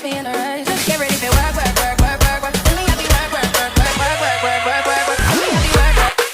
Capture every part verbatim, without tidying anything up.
puts me in a rush. Just get ready for work, work, work, work, work, work. Let me have you work, work, work, work, work, work, work, work, work, work. Let me have you work, work.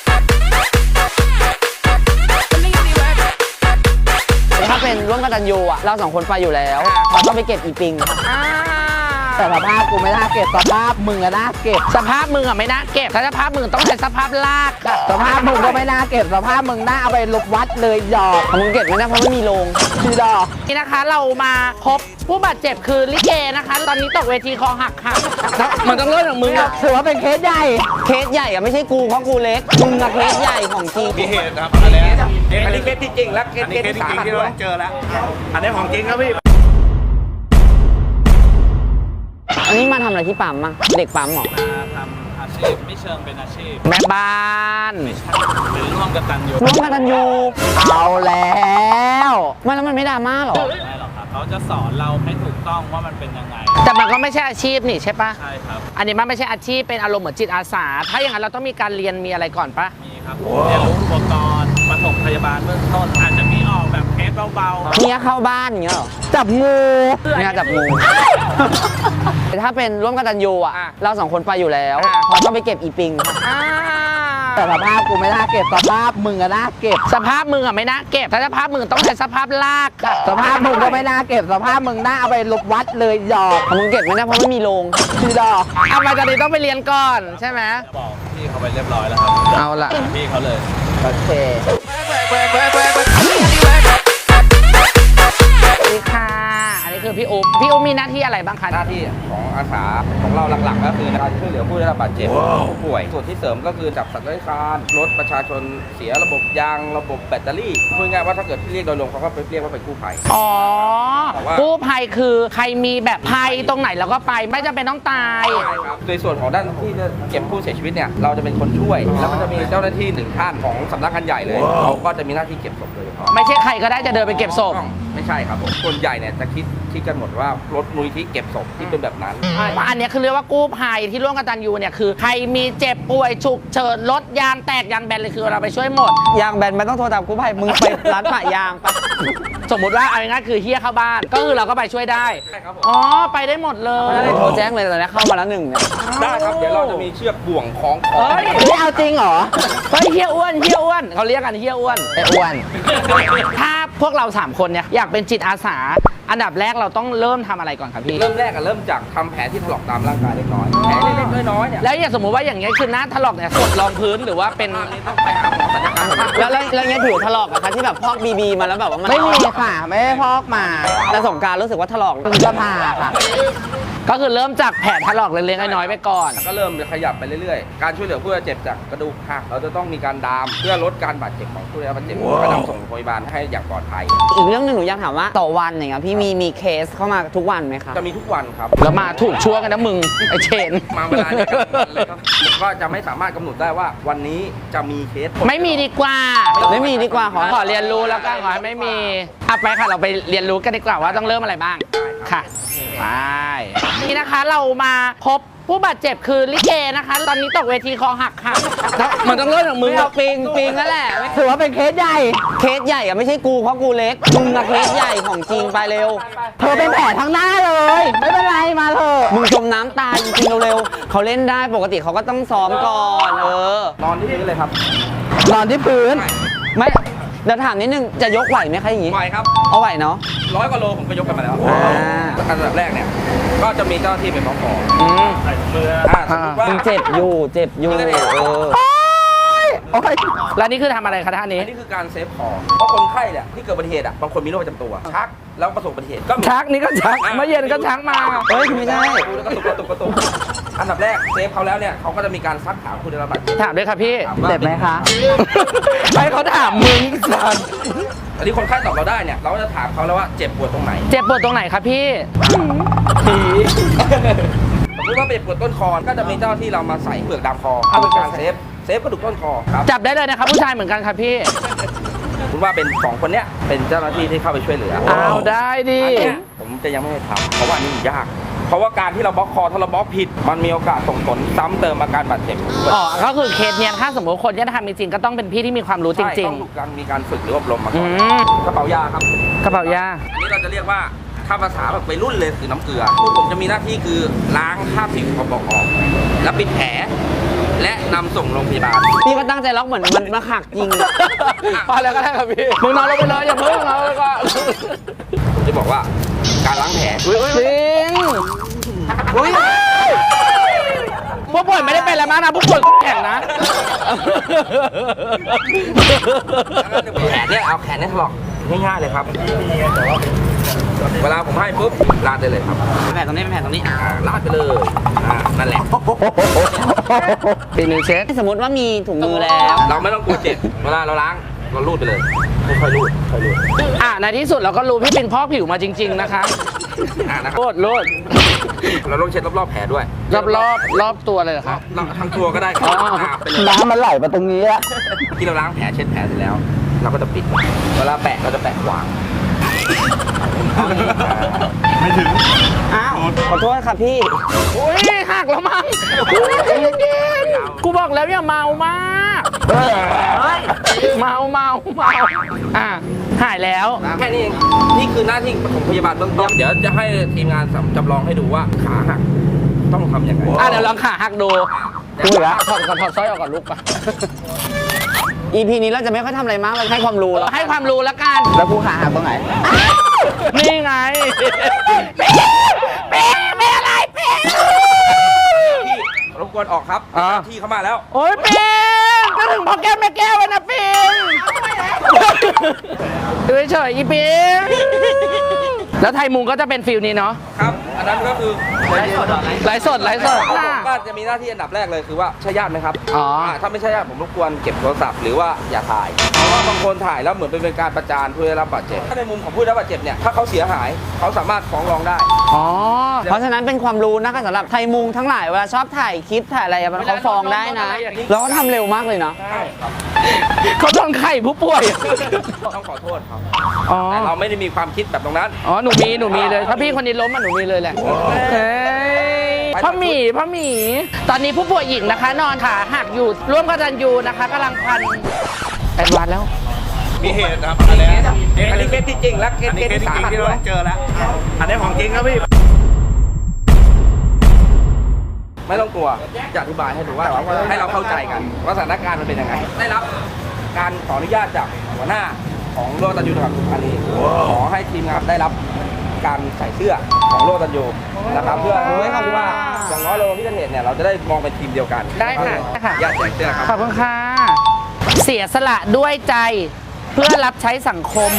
Let me have you work. ถ้าเป็นร่วมกตัญญูอะเราสองคนไปอยู่แล้วเราต้องไปเก็บอีปิงแต่สภาพกูไม่น่าเก็บสภาพมึงอะน่าเก็บสภาพมึงอะไม่น่าเก็บถ้าสภาพมึงต้องใช้สภาพลากค่ะสภาพมึงก็ไม่น่าเก็บสภาพมึงน่าเอาไปลบวัดเลยหยอกมึงเก็บไม่ได้เพราะไม่มีโรงคือดอกนี่นะคะเรามาพบผู้บาดเจ็บคือลิเกนะคะ ตอนนี้ตกเวทีคอหักค่ะมันต้องเริ่มจากมึงอะถือว่าเป็นเคสใหญ่เคสใหญ่อะไม่ใช่กูเพราะกูเล็กมึงอะเคสใหญ่ของจริงมีเหตุนะครับอันนี้อันนี้เคสที่จริงและเคสอันนี้เคสจริงที่เราต้องเจอแล้ว อันนี้ของจริงครับพี่อันนี้มาทำอะไรที่ปั๊มอะเด็กปั๊มเหรอมาทำอาชีพไม่เชิงเป็นอาชีพแม่บ้านหรือร่วมกตัญญูร่วมกตัญญูเอาแล้วไม่แล้วมันไม่ดราม่าหรอไม่หรอกครับเขาจะสอนเราให้ถูกต้องว่ามันเป็นยังไงแต่มันก็ไม่ใช่อาชีพนี่ใช่ปะใช่ครับอันนี้มันไม่ใช่อาชีพเป็นอารมณ์เหมือนจิตอาสาถ้าอย่างนั้นเราต้องมีการเรียนมีอะไรก่อนปะมีครับเรียนรู้อุปกรณ์ปฐมพยาบาลเบื้องต้นอาจจะมีออกแบบเคสเบาๆเมียเข้าบ้านอย่างเงี้ยเหรอจับงูเนี่ยจับงูถ้าเป็นร่วมกตัญญูอะเราสองคนไปอยู่แล้วเราต้องไปเก็บอีปิงอ่าแต่สภาพกูไม่น่าเก็บสภาพมึงอะน่าเก็บสภาพมึงอะไม่น่าเก็บถ้าสภาพมึงต้องใช้สภาพลากค่ะสภาพมึงก็ไม่น่าเก็บสภาพมึงน่าเอาไปลบวัดเลยหยอกมึงเก็บไม่ได้เพราะไม่มีโรงคือดอกเอามาตอนนี้ต้องไปเรียนก่อนใช่ไหมบอกพี่เขาไปเรียบร้อยแล้วครับเอาล่ะพี่เขาเลยโอเค Work, work, work, work, work. Let me have you work, work. สวัสดีค่ะ อันนี้คือพี่อุ๊บพี่อุ๊บมีหน้าที่อะไรบ้างคะหน้าที่ของอาสาของเราหลักๆก็คือการช่วยเหลือผู้ได้รับบาดเจ็บผู้ป่วยส่วนที่เสริมก็คือจับสัตว์เลื้อยคลานรถประชาชนเสียระบบยางระบบแบตเตอรี่พูดง่ายๆว่าถ้าเกิดที่เรียกโดยรวมเขาก็ไปเรียกว่าเป็นกู้ภัยอ๋อแต่ว่ากู้ภัยคือใครมีแบบภัยตรงไหนเราก็ไปไม่จำเป็นต้องตายโดยส่วนของด้านที่จะเก็บผู้เสียชีวิตเนี่ยเราจะเป็นคนช่วย แล้วก็จะมีเจ้าหน้าที่หนึ่งท่านของสำนักงานใหญ่เลยเขาก็จะมีหน้าที่เก็บศพโดยเฉพาะไม่ใช่ใครก็ได้จะเดินไปเก็บศพไม่ใช่ครับผมคนใหญ่เนี่ยจะคิดคิดกันหมดว่ารถมูลที่เก็บศพที่เป็นแบบนั้นอันเนี้ยคือเรียกว่ากู้ภัยที่ร่วมกตัญญูเนี่ยคือใครมีเจ็บป่วยฉุกเฉินรถยางแตกยางแบนเลยคือเราไปช่วยหมดยางแบนไม่ต้องโทรตามกู้ภัยมึงไปร้านปะยางปะสมมุติว่าเอาง่ายๆคือเฮียเข้าบ้าน ก็คือเราก็ไปช่วยได้ใช่ครับผมอ๋อไปได้หมดเลยโทรแจ้งเลยตอนนี้เข้ามาแล้วหนึ่งเนี่ยได้ครับเดี๋ยวเราจะมีเชือกบ่วงคล้องคอเฮ้ยไม่เอาจริงเหรอเฮ้ยเฮียอ้วนเฮียอ้วนเขาเรียกกันเฮียอ้วนไอ้อ้วนถ้าพวกเราสามคนเนี่ยอยากเป็นจิตอาสา อันดับแรกเราต้องเริ่มทำอะไรก่อนครับพี่เริ่มแรกอะเริ่มจากทำแผลที่ถลอกตามร่างกายเล็กน้อยแผลเล็กๆน้อยๆเนี่ยแล้วอย่างสมมุติว่าอย่างเงี้ยคือหน้าถลอกเนี่ยกดรองพื้นหรือว่าเป็นต้องไปหาหมอศัลยกรรมแล้วแล้วแล้วเงี้ยผิวถลอกอะคะที่แบบพอกบีบีมาแล้วแบบว่ามันไม่มีค่ะ ไม่ได้พอกมาแต่สงกรารรู้สึกว่าถลอกถึงจะผ่าค่ะก็คือเริ่มจากแผลถลอกเล็กๆน้อยๆไปก่อนก็เริ่มขยับไปเรื่อยๆ การช่วยเหลือผู้บาดเจ็บจากกระดูกหักเราจะต้องมีการดามเพื่อลดการบาดเจ็บของผู้ได้รับบาดเจ็บก็นำส่งโรงพยาบาลให้อย่างปลอดภัยอีกเรื่องหนึ่งหนูอยากถามว่าต่อวันอย่างเงี้ยพี่มีมีเคสเข้ามาทุกวันไหมคะจะมีทุกวันครับแล้วมาถูกชั่วกันนะมึง ไอเชนมาเวลาเนี่ยเลยครับผมก็จะไม่สามารถกำหนดได้ว่าวันนี้จะมีเคสไม่มีดีกว่าไม่มีดีกว่าขอขอเรียนรู้แล้วก็ขอให้ไม่มีอ่ะไปค่ะเราไปเรียนรู้กันดีกว่าว่าต้องเริ่มอะไรบ้างค่ะไปนี่นะคะเรามาพบผู้บาดเจ็บคือลิเกนะคะ ตอนนี้ตกเวทีคอหักค่ะมันต้องเริ่มจากมึมึงงเอาปิงปิงนั่นแหละถือว่าเป็นเคสใหญ่เคสใหญ่อะไม่ใช่กูเพราะกูเล็กมึงอะเคสใหญ่ของจริงไปเร็วเธอเป็นแผลทั้งหน้าเลย ไม่เป็นไรมาเถอะมึงจมน้ำตายจริงๆเร็วๆเขาเล่นได้ปกติเขาก็ต้องซ้อมก่อนเออนอนที่พื้นเลยครับนอนที่พื้นไม่เดี๋ยวถามนิดนึงจะยกไหวไหมคะอย่างงี้ไหวครับเอาไหวเนาะร้อยกว่าโลผมก็ยกกันมาแล้วอ่าอันดับแรกเนี่ยก็จะมีเจ้าหน้าที่เป็นบล็อกคออืมใส่ถุงมืออ่าสมมติว่ามึงเจ็บอยู่เจ็บอยู่เออแล้วนี่คือทำอะไรคะท่านนี้อันนี้คือการเซฟคอเพราะคนไข้เนี่ยที่เกิดอุบัติเหตุอ่ะบางคนมีโรคประจำตัวชักแล้วประสบอุบัติเหตุก็มีชักนี่ก็ชักเมื่อเย็นก็ชักมาเฮ้ยไม่ใช่แล้วก็ตุกกระตุกกระตุกอันดับแรกเซฟเขาแล้วเนี่ยเขาก็จะมีการซักถามคุณได้รับบาดเจ็บถามด้วยค่ะพี่ถามว่าเจ็บไหมคะให้เขาถามมึงสันอันนี้คนไข้ตอบเราได้เนี่ยเราก็จะถามเขาแล้วว่าเจ็บปวดตรงไหนเจ็บปวดตรงไหนครับพี่สมมติว่าเจ็บปวดต้นคอก็จะมีเจ้าที่เรามาใส่เปลือกดามคอเพื่อเป็นการเซฟเซฟกระดูกต้นคอครับจับได้เลยนะครับผู้ชายเหมือนกันครับพี่คุณว่าเป็นสองคนเนี้ยเป็นเจ้าหน้าที่ที่เข้าไปช่วยเหลือเอาได้ดิอันเนี้ยผมจะยังไม่ให้ทำเพราะว่าอันนี้มันยาก เพราะว่าการที่เราบล็อกคอถ้าเราบล็อกผิด มันมีโอกาสส่งผลซ้ำเติมอาการบาดเจ็บอ๋อ ก็คือเคสเนี้ยถ้าสมมติคนที่จะทำจริงๆก็ต้องเป็นพี่ที่มีความรู้จใช่ริงต้องมีการมีการฝึกหรืออบรมมาๆ อืก่อนมกระเป๋ายาครับกระเป๋ายาอันนี้เราจะเรียกว่าถ้าภาษาแบบไปรุ่นเลยคือน้ำเกลือพวกผมจะมีหน้าที่คือล้างคราบสิ่งสกปรกออก แล้วปิดแผลและนำส่งโรงพยาบาลพี่ก็ตั้งใจล็อกเหมือนมันมาหักจริงพอแล้วก็ได้ครับพี่มึงนอนลงไปเลยอย่าเพิ่งนอนแล้วก็ผมจะบอกว่าการล้างแผลจริงอุ้ยพวกป่วยไม่ได้เป็นอะไรมากนะพวกป่วยแข็งนะแขนเนี่ยเอาแขนเนี่ยถลอกง่ายๆเลยครับ เวลาผมให้ปุ๊บลาดได้เลยครับแผลตรงนี้เป็นแผลตรงนี้อ่าลาดไปเลยอ่านั่นแหละปีหนึ่งเช็ดสมมติว่ามีถุงมือแล้วเราไม่ต้องกลัวเจ็บเวลาเราล้างเราลูดไปเลยค่อยๆลูดค่อยๆลูดอ่ะในที่สุดเราก็รู้พี่เป็นพ่อผิวมาจริง ๆ นะคะอ่านะคโลรับดโลดเราต้องเช็ดรอบๆแผลด้วยรอบรอบรอบตัวเลยเหรอครับเราทั้งตัวก็ได้ครับอ๋ออ่าไปเลยน้ำมันไหลมาตรงนี้อะที่เราล้างแผลเช็ดแผลเสร็จแล้ว เราก็จะปิด เวลาแปะเราจะแปะขวางอ้าวขอโทษครับพี่โอ้ยหักแล้วมั้งใจเย็นๆกูบอกแล้วอย่าเมามากเมาเมาเมาอ่ะหายแล้วแค่นี้เองนี่คือหน้าที่ปฐมพยาบาลเบื้องต้นเดี๋ยวจะให้ทีมงานจำลองให้ดูว่าขาหักต้องทำยังไงอ่ะเดี๋ยวลองขาหักดูดูเหรอถอดก่อนถอดสร้อยออกก่อนลูกปะอี พี นี้เราจะไม่ค่อยทำอะไรมากเราให้ความรู้แล้วให้ความรู้แล้วกันแล้วกูขาหักตรงไหนนี่ไงเป๊ะเป๊ะเป๊ะอะไรเป๊ะพี่รบกวนออกครับอ่าที่เข้ามาแล้วโอ้ยปิงก็ถึงพ่อแก้วแม่แก้วแล้วนะปิงดูเฉยๆอีปิงแล้วไทยมุงก็จะเป็นฟิลนี้เนาะครับ อันนั้นก็คือไลฟ์สดไลฟ์สดไลฟ์สดผมก็จะมีหน้าที่อันดับแรกเลยคือว่าใช่ญาติไหมครับอ๋ออ่าถ้าไม่ใช่ญาติผมรบกวนเก็บโทรศัพท์หรือว่าอย่าถ่าย เพราะว่าบางคนถ่ายแล้วเหมือนเป็นการประจานผู้ได้รับบาดเจ็บ ถ้าในมุมของผู้ได้รับบาดเจ็บเนี่ย ถ้าเขาเสียหายเขาสามารถฟ้องร้องได้อ๋อเพราะฉะนั้นเป็นความรู้นะคะสำหรับไทยมุงทั้งหลายเวลาชอบถ่ายคลิปถ่ายอะไรอะมันเขาฟ้องได้นะ แล้วก็ทำเร็วมากเลยเนาะเขาต้องไข่ผู้ป่วยต้องขอโทษครับอ๋อแต่เราไม่ได้มีความคิดแบบตรงนั้นอ๋อ หนูมี หนูมีเลย ถ้าพี่คนนี้ล้มอ่ะ หนูมีเลยแหละเฮ้ยพ่อหมีพ่อหมี ตอนนี้ผู้ป่วยหญิงนะคะ นอนขาหักอยู่ ร่วมกตัญญูนะคะกำลังพันแอดวานซ์แล้วมีเหตุครับอันนี้อันนี้เคสที่จริงและเคสอันนี้เคสเคสที่จสาริงหัสๆที่เราด้วยต้องเจอแล้ว อันนี้ของจริงครับพี่ไม่ต้องกลัวจะอธิบายให้ดูว่าให้เราเข้าใจกันว่าสถานการณ์มันเป็นยังไง ได้รับการขออนุญาตจากหัวหน้าของโลตันยูจังหวัดสุพรรณบุรีขอให้ทีมงานได้รับการใส่เสื้อของโลตันยูนะครับเพื่อให้เขารู้ว่าอย่างน้อยเราพิจารณาเนี่ยเราจะได้มองเป็นทีมเดียวกันได้ค่ะได้ค่ะญาติแจกเสื้อครับขอบคุณค่ะ เสียสละด้วยใจเพื่อรับใช้สังคม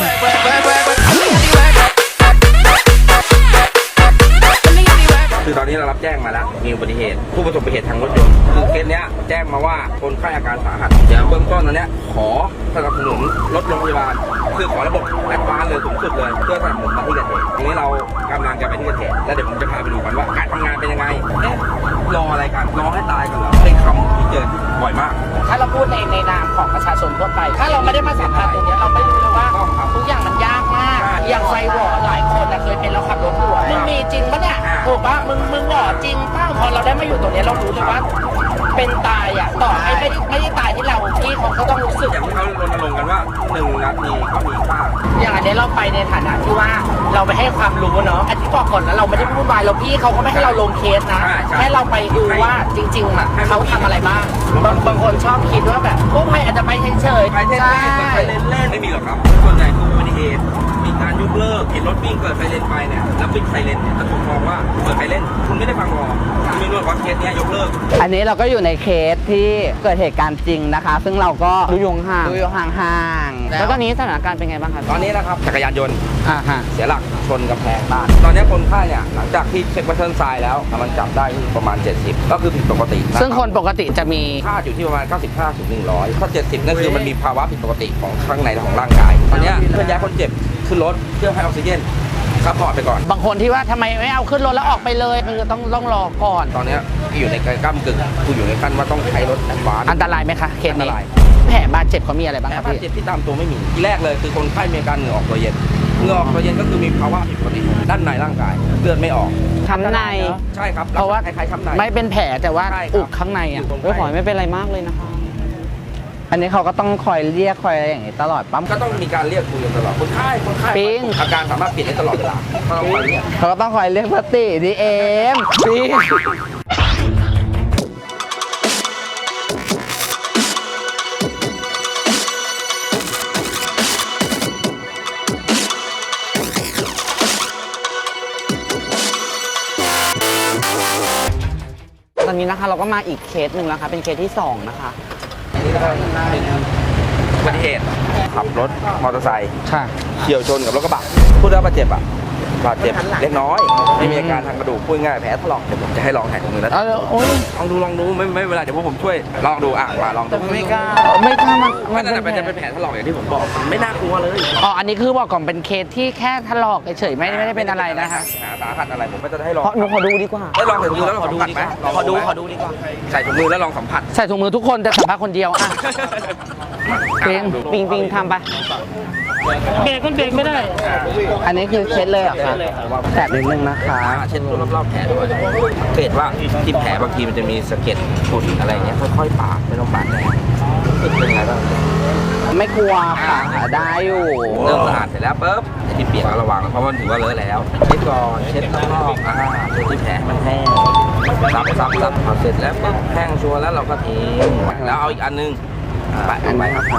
คือตอนนี้เรารับแจ้งมาแล้วมีอุบัติเหตุผู้ประสบอุบัติเหตุทางรถยนต์คือเคสเนี้ยแจ้งมาว่าคนไข้อาการสาหัสเดี๋ยวเบื้องต้นตอนเนี้ยขอสนับสนุนรถโรงพยาบาลคือขอระบบแอดวานซ์เลยสูงสุดเลยเพื่อสนับสนุนมาที่เกิดเหตุทีนี้เรากำลังจะไปที่เกิดเหตุแล้วเดี๋ยวผมจะพาไปดูกันว่าการทำงานเป็นยังไงเอ๊ะรออะไรกันรอให้ตายกันเหรอเป็นคำที่เจอบ่อยมากถ้าเราพูดในในนามของประชาชนทั่วไป ถ้าเราไม่ได้มาสัมผัสตรงเนี้ยเราไม่รู้เลยว่าต้องครับทุกอย่างมันยากมากใช่อย่างไฟหวอหลายคนนะเคยเป็นเราขับรถหัวมึงมีจริงปะเนี่ยอ่าถูกปะมึงมึงหวอจริงป้าพอเราได้มาอยู่ตรงเนี้ยเรารู้เลยว่า เป็นตายอ่ะต่อให้ไม่ไม่ได้ตายที่เราพี่เขาก็ต้องรู้สึกอย่างที่เขารณรงค์กันว่าหนึ่งนาทีก็มีค่าอย่างอันนี้เราไปในฐานะที่ว่าเราไปให้ความรู้เนาะอันที่บอกก่อนนะเราไม่ได้พูดวายเราพี่เขาก็ไม่ให้เราลงเคสนะใช่ใช่แค่เราไปดูว่าจริงๆอ่ะเขาทำอะไรบ้างบางบางคนชอบคิดว่าแบบพวกใครอาจจะไปเฉยๆไปเล่นใช่เล่นไปเล่นเล่นไม่มีหรอกครับส่วนใหญ่คืออุบัติเหตุมีการยกเลิกเห็นรถวิ่งเกิดไฟเลนไปเนี่ยแล้วปิดไฟเลนเนี่ยถ้าผมมองว่าเปิดไฟเลนคุณไม่ได้ฟังรอคุณไม่รู้ว่าเคสเนี้ยยกเลิกอันนี้เราก็อยู่ในเคสที่เกิดเหตุการณ์จริงนะคะ ซึ่งเราก็ดูอยู่ห่างดูอยู่ห่างๆแล้วตอนนี้สถานการณ์เป็นไงบ้างครับตอนนี้นะครับจักรยานยนต์อ่าฮะเสียหลักชนกำแพงบ้านตอนนี้คนไข้เนี่ยหลังจากที่เช็ควัตเทิร์นไซด์แล้วมันจับได้ที่ประมาณเจ็ดสิบก็คือผิดปกติะรับซึ่งคนปกติจะมีค่าอยู่ที่ประมาณเก้าสิบห้าถึงหนึ่งร้อยถ้าเจ็ดสิบนั่นคือมันมีภาวะผิดปกติของข้างในของร่างกายตอนเนี้ยเพื่อนย้ายคนเจ็บขึ้นรถเพื่อให้ออกซิเจนซัพพอร์ตไปก่อนบางคนที่ว่าทำไมไม่เอาขึ้นรถแล้วออกไปเลยคือต้องต้องรอก่อนตอนเนี้ยอยู่ในก้ากึ่งกูอยู่ในขั้นว่าต้องใช้รถแอดวานซ์อันตรายไหมคะเคสอันตนี้รายแผลบาดเจ็บเขามีอะไรบ้างแต่ครับบาดพี่เจ็บที่ตามตัวไม่มีที่แรกเลยคือคนไข้มีอาการเหงื่อออกตัวเย็นเหงื่อออกตัวเย็นก็คือมีภาวะผิดปกติด้านในร่างกายเลือดไม่ออกช้ำในใช่ครับเพราะว่าคล้ายๆช้ำในไม่เป็นแผลแต่ว่าใช่ครับอุกข้างในอ่ะอยู่ตรงเฮ้ยขอให้ไม่เป็นไรมากเลยนะคะอันนี้เขาก็ต้องคอยเรียกคอยอะไรอย่างงี้ตลอดปั๊มก็ต้องมีการเรียกคุยกันตลอดคนไข้คนไข้ปิ๊งอาการสามารถเปลี่ยนได้ตลอดเวลาก็ต้องคอยเรียกเขาก็ต้องคอยเรียกพัตติดีเอ็มปีตอนนี้นะคะเราก็มาอีกเคสหนึ่งแล้วค่ะเป็นเคสที่สองนะคะนี่ก็เป็นอุบัติเหตุขับรถมอเตอร์ไซค์ค่ะเฉี่ยวชนกับรถกระบะผู้ได้รับบาดเจ็บอ่ะบาดเจ็บเล็กน้อย ไม่มีอาการทางกระดูกพูดง่ายแผลถลอกเดี๋ยวผมจะให้ลองแหกมือแล้วเออโอ้ยลองดูลองดูไม่ไม่เวลาเดี๋ยวพวกผมช่วยลองดูอ่ะมาลองดูไม่กล้าไม่กล้ามันมันจะเป็นจะเป็นแผลถลอกอย่างที่ผมบอกไม่น่ากลัวเลยอ๋ออันนี้คือบอกก่อนเป็นเคสที่แค่ถลอกเฉยๆไม่ไม่ได้เป็นอะไรนะคะสาหัสอะไรผมก็จะให้ลองเพราะหนูขอดูดีกว่าได้ลองใส่ถุงมือแล้วลองสัมผัสไหมขอดูขอดูดีกว่าใส่ถุงมือแล้วลองสัมผัสใส่ถุงมือทุกคนแต่สัมภาษณ์คนเดียวอ่ะปิงปิงปิงทำไปเบรกมันเบรกไม่ได้อันนี้คือเคสเลยเหรอคะแตะนิดนึงนะคะเช็ดตัวรอบๆแผลด้วยสังเกตว่าที่แผลบางทีมันจะมีสะเก็ดฝุ่นอะไรเงี้ยค่อยๆปาดไม่ต้องปาดแรงเป็นไงบ้างไม่กลัวค่ะได้อยู่เริ่มสะอาดเสร็จแล้วปุ๊บไอ้ที่เปียกก็ระวังเพราะมันถือว่าเลอะแล้วเช็ดก่อนเช็ดรอบๆอ่าเช็ดที่แผลให้มันแห้งซับซับซับพอเสร็จแล้วปุ๊บแห้งชัวร์แล้วเราก็ทิ้งแล้วเอาอีกอันนึงไปอันไหนครับ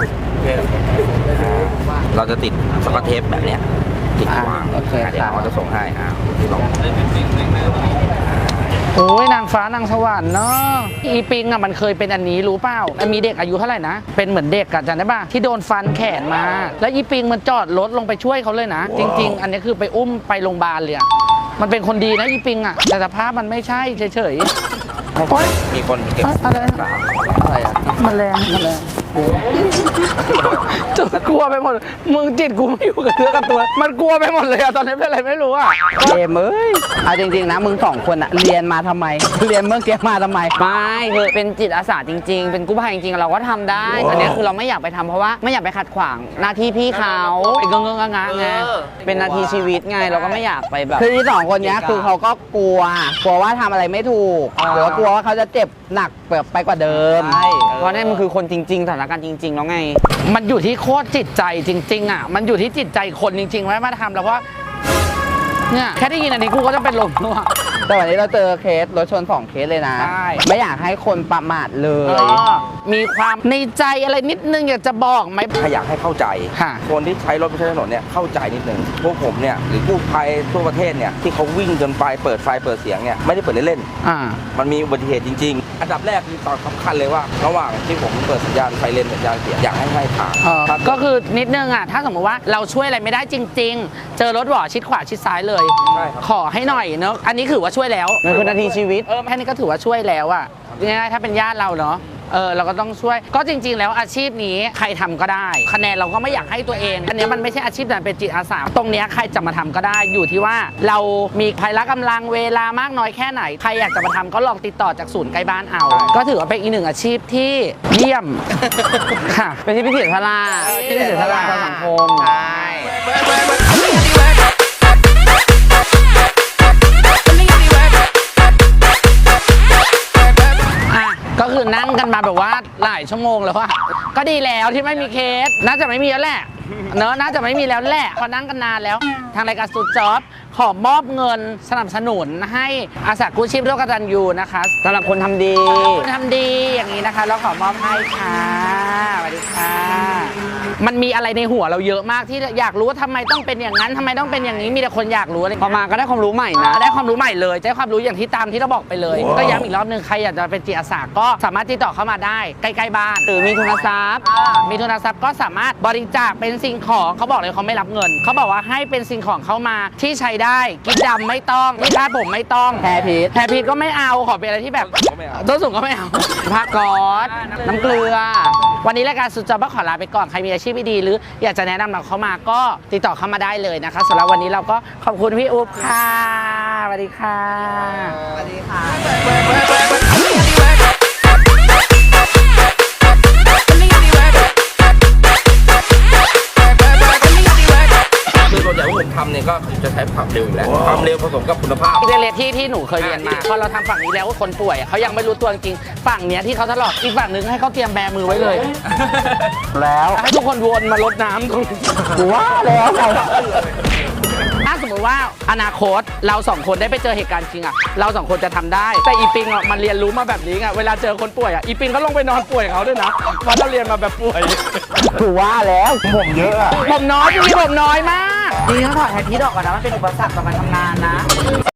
เราจะติดสกอตเทปแบบเนี้ยติดวางโอเคเดี๋ยวค่ะเขาจะส่งให้อ่าลองโอ้ยนางฟ้านางสวรรค์เนาะอีปิงอ่ะมันเคยเป็นอันนี้รู้เปล่ามันมีเด็กอายุเท่าไหร่นะเป็นเหมือนเด็กอะจำได้ป่ะที่โดนฟันแขนมา แล้วอีปิงมันจอดรถลงไปช่วยเขาเลยนะ จริง ๆ อันนี้คือไปอุ้มไปโรงพยาบาลเลยอะมันเป็นคนดีนะอีปิงอ่ะแต่สภาพมันไม่ใช่เฉยๆโอ๊ยมีคนเก็บอะไรอะไรอ่ะแมลงแมลงจุดกลัวไปหมดมึงจิตกูไม่อยู่กับเนื้อกับตัว มันกลัวไปหมดเลยอะตอนนี้เป็นอะไรไม่รู้อะเอมเอ้ยเอาจริงๆนะมึงสองคนอะเรียนมาทำไม เรียนเมื่อกี้มาทำไมไม่คือเป็นจิตอาสาจริง ๆ เป็นกู้ภัยจริงๆ เราก็ทำได้ อันนี้คือเราไม่อยากไปทำเพราะว่าไม่อยากไปขัดขวางหน้าที่พี่เขาเป็นเงงๆงะๆไงเป็นนาทีชีวิตไงเราก็ไม่อยากไปแบบคือที่สองคนเนี้ยคือเขาก็กลัว กลัวว่าทำอะไรไม่ถูกหรือว่ากลัวว่าเขาจะเจ็บหนักแบบไปกว่าเดิมใช่เพราะนี่มันคือคนจริงๆสถานการณ์จริง ๆ แล้วไงมันอยู่ที่โคตรจิตใจจริง ๆอะมันอยู่ที่จิตใจคนจริงๆไว้มาทำแล้วว่าเนี่ยแค่ได้ยินอันนี้กูก็จะเป็นลมแล้วอะแต่วันนี้เราเจอเคสรถชนสองเคสเลยนะใช่ไม่อยากให้คนประมาทเลเอย อมีความในใจอะไรนิดนึงอยากจะบอกไหมถ้าอยากให้เข้าใจค่ะคนที่ใช้รถบนถนนเนี่ยเข้าใจนิดนึงพวกผมเนี่ยหรือกู้ภัยทั่วประเทศเนี่ยที่เขาวิ่งจนไปเปิดไฟเปิดเสียงเนี่ยไม่ได้เปิดเล่นอ่าๆมันมีอุบัติเหตุจริง ๆ อันดับแรกคือตอนสำคัญเลยว่า ระหว่างที่ผมเปิดสัญญาณไฟเลนสัญญาณเสียงอยากให้ให้ทางเออถ้าก็คือนิดนึงอ่ะถ้าสมมติว่าเราช่วยอะไรไม่ได้จริง ๆ เจอรถหวอชิดขวาชิดซ้ายเลยใช่ครับขอให้หน่อยเนอะอันนี้ถือว่าช่วยแล้วมันคือนาทีชีวิตเออแค่นี้ก็ถือว่าช่วยแล้วอ่ะง่ายๆถ้าเป็นญาติเราเนาะเออเราก็ต้องช่วยก็จริง ๆ แล้วอาชีพนี้ใครทำก็ได้ คะแนนเราก็ไม่อยากให้ตัวเอง อันเนี้ยมันไม่ใช่อาชีพแต่เป็นจิตอาสาตรงเนี้ยใครจะมาทำก็ได้อยู่ที่ว่าเรามีพละกำลังเวลามากน้อยแค่ไหนใครอยากจะมาทำก็ลองติดต่อจากศูนย์ใกล้บ้านเอา ก็ถือว่าเป็นอีกหนึ่งอาชีพที่เยี่ยมค่ะเป็นที่พิเศษทลาที่พิเศษทลาต่อสังคมใช่อ่ะก็คือนั่งกันมาแบบว่าหลายชั่วโมงแล้วอะก็ดีแล้วที่ไม่มีเคสน่าจะไม่มีแล้วแหละเนอะน่าจะไม่มีแล้วแหละพอนั่งกันนานแล้ว ทางรายการสุดจ็อบขอมอบเงินสนับสนุนให้อาสากู้ชีพร่วมกตัญญูนะคะสำหรับคนทำดีคุณทำดีอย่างนี้นะคะเราขอมอบให้ค่ะสวัสดีค่ะ มันมีอะไรในหัวเราเยอะมากที่อยากรู้ว่าทำไมต้องเป็นอย่างนั้นทำไมต้องเป็นอย่างนี้มีแต่คนอยากรู้อะไรพอมาก็ได้ความรู้ใหม่นะได้ความรู้ใหม่เลยได้ความรู้อย่างที่ตามที่เราบอกไปเลย ก็ย้ำอีกรอบหนึ่งใครอยากจะเป็นจิตอาสาก็สามารถติดต่อเข้ามาได้ใกล้ๆบ้านหรือมีทุนทรัพย์มีทุนทรัพย์ก็สามารถบริจาคเป็นสิ่งของเขาบอกเลยเขาไม่รับเงิน เขาบอกว่าให้เป็นสิ่งของเข้ามาที่ใช้ได้กิ๊บดำไม่ต้องที่คาดผมไม่ต้องแพรพีชแพรพีชก็ไม่เอาขอเป็นอะไรที่แบบก็ไม่เอาต้นสูงก็ไม่เอาผ้าก๊อซน้ำเกลือ วันนี้รายการสุดจอบก็ขอลาไปก่อนใครมีอาชีพดีๆหรืออยากจะแนะนำเราเข้ามาก็ติดต่อเข้ามาได้เลยนะคะสำหรับวันนี้เราก็ขอบคุณพี่อุ๊บค่ะสวัสดีค่ะสวัสดีค่ะคือส่วนใหญ่ที่ผมทำเนี่ยเนี่ยก็คือจะใช้ความเร็วอยู่แล้วความเร็วผสมกับคุณภาพอีกเรียนที่ที่หนูเคยเรียนมาพอเราทำฝั่งนี้แล้วคนป่วยอะเขายังไม่รู้ตัวจริงๆฝั่งเนี้ยที่เขาทะเลาะอีกฝั่งหนึ่งให้เขาเตรียมแบมือไว้เลยแล้วให้ทุกคนวนมาลดน้ำตรงนี้กูว่าแล้วไงถ้าสมมติว่าอนาคตเราสองคนได้ไปเจอเหตุการณ์จริงอะเราสองคนจะทำได้ แต่อีปิงอะมันเรียนรู้มาแบบนี้ไงเวลาเจอคนป่วยอะอีปิงก็ลงไปนอนป่วยเขาด้วยนะเพราะเราเรียนมาแบบป่วยกูว่าแล้วผมเยอะอะผมน้อยจริงๆผมน้อยมากจริงๆต้องถอดแฮปปี้ดอกก่อนนะ มันเป็นอุปสรรคต่อการทำงานนะ